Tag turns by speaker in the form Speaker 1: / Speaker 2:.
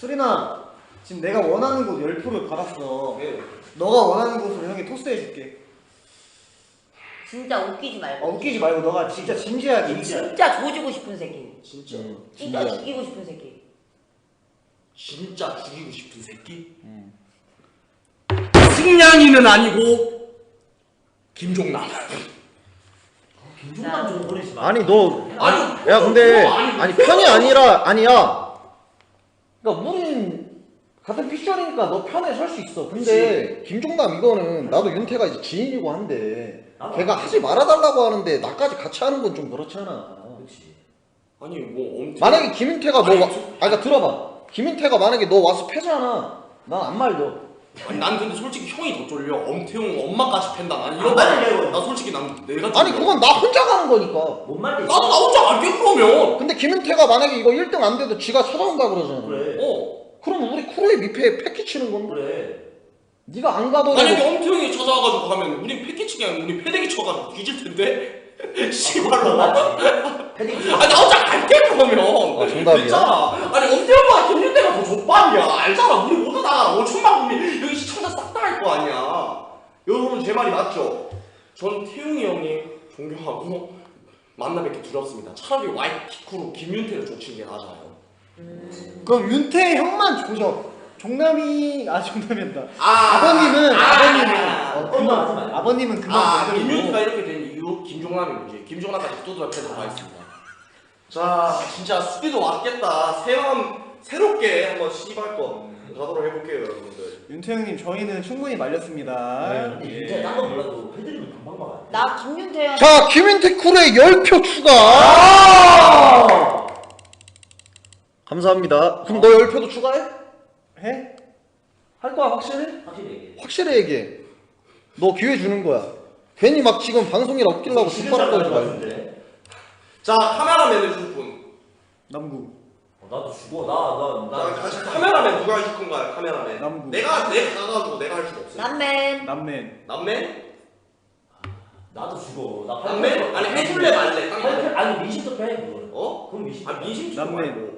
Speaker 1: 수린아, 지금 내가 원하는 곳 10표를 받았어.
Speaker 2: 네.
Speaker 1: 너가 원하는 곳으로 형이 토스해줄게.
Speaker 3: 진짜 웃기지 말고.
Speaker 1: 웃기지 말고 너가 진짜 진지하게.
Speaker 3: 진짜 조지고 싶은 새끼.
Speaker 2: 진짜.
Speaker 3: 진짜 죽이고 싶은 새끼.
Speaker 2: 진짜 죽이고 싶은 새끼? 승냥이는 아니고 김종남.
Speaker 3: 김종남 좀
Speaker 4: 보내지 마.
Speaker 5: 아니 너
Speaker 2: 아니
Speaker 5: 야 근데
Speaker 2: 아니,
Speaker 5: 아니 편이 아니라 아니야. 그러니까 우린 같은 피셜이니까 너 편에 설 수 있어. 근데 김종남 이거는 나도 윤태가 이제 지인이고 한데 걔가 하지 말아달라고 하는데 나까지 같이 하는 건 좀 그렇잖아.
Speaker 4: 그렇지.
Speaker 2: 아니 뭐 엄청
Speaker 5: 만약에 김윤태가 너 그러니까 들어봐. 김윤태가 만약에 너 와서 패잖아. 난 안 말려.
Speaker 2: 아니 난 근데 솔직히 형이 더 쫄려. 엄태웅 엄마까지 팬다. 난 이런
Speaker 4: 말려.
Speaker 2: 나 솔직히 난 내가 쫄려.
Speaker 5: 아니 그건 나 혼자 가는 거니까.
Speaker 4: 뭔 말인지.
Speaker 2: 나도 나 혼자 갈게 그러면.
Speaker 5: 근데 김윤태가 만약에 이거 1등 안 돼도 지가 찾아온다 그러잖아.
Speaker 4: 그래.
Speaker 5: 그럼 우리 쿠로의 미패에 패키 치는 건데.
Speaker 4: 그래.
Speaker 5: 네가 안 가더라도
Speaker 2: 만약에 엄태웅이 찾아와가지고 가면 우린 패키치기 아니고 우리 패대기 쳐가지고 뒤질 텐데. 씨발로.
Speaker 4: 패딩.
Speaker 2: 아니 나 혼자 갈게 그러면.
Speaker 5: 정답이야.
Speaker 2: 있잖아. 아니 엄태웅보다 김윤태가 더 족밥이야. 알잖아. 우리 모두 다 5천만 국민 여기 시청자 싹 다 할 거 아니야. 여러분 제 말이 맞죠? 전 태웅이 형님 존경하고 만나 뵙기 두렵습니다. 차라리 와이키쿠로 김윤태를 쫓는 게 나아요.
Speaker 1: 그럼 윤태 형만 조져. 종남이란다.
Speaker 2: 아버님은
Speaker 1: 아버님은 그만
Speaker 2: 김윤태가 이렇게 된 이유 김종남이 문제. 김종남까지 두드려 패도록 하겠습니다. 자 진짜 수비도 왔겠다. 새롭게 한번 시발 거 가도록 해볼게요 여러분들.
Speaker 1: 윤태 형님 저희는 충분히 말렸습니다.
Speaker 4: 진짜 딴거 몰라도 패드립은 금방 막아.
Speaker 3: 나 김윤태야.
Speaker 5: 자 김윤태 쿠로의 10표 추가. 감사합니다. 그럼 너 10표도 추가해?
Speaker 1: 해?
Speaker 5: 할 거야 확실해?
Speaker 4: 확실히 얘기해.
Speaker 5: 확실히 얘기해. 너 기회 주는 거야. 괜히 막 지금 방송이라 웃기려고 뒷바람 걸지 말고.
Speaker 2: 자 카메라맨 해줄 분.
Speaker 1: 남구.
Speaker 4: 나도 죽어.
Speaker 2: 자 카메라맨 누가 해줄 건가요? 카메라맨.
Speaker 1: 남구.
Speaker 2: 내가 가가지고 내가 할 수가 없어.
Speaker 3: 남맨.
Speaker 2: 남맨?
Speaker 4: 나도 죽어. 나
Speaker 2: 남맨? 아니 해줄래 말래?
Speaker 4: 아니 민심도 패 그거.
Speaker 2: 어?
Speaker 4: 그럼 민심.
Speaker 2: 아 민심
Speaker 1: 남맨.
Speaker 2: 말고.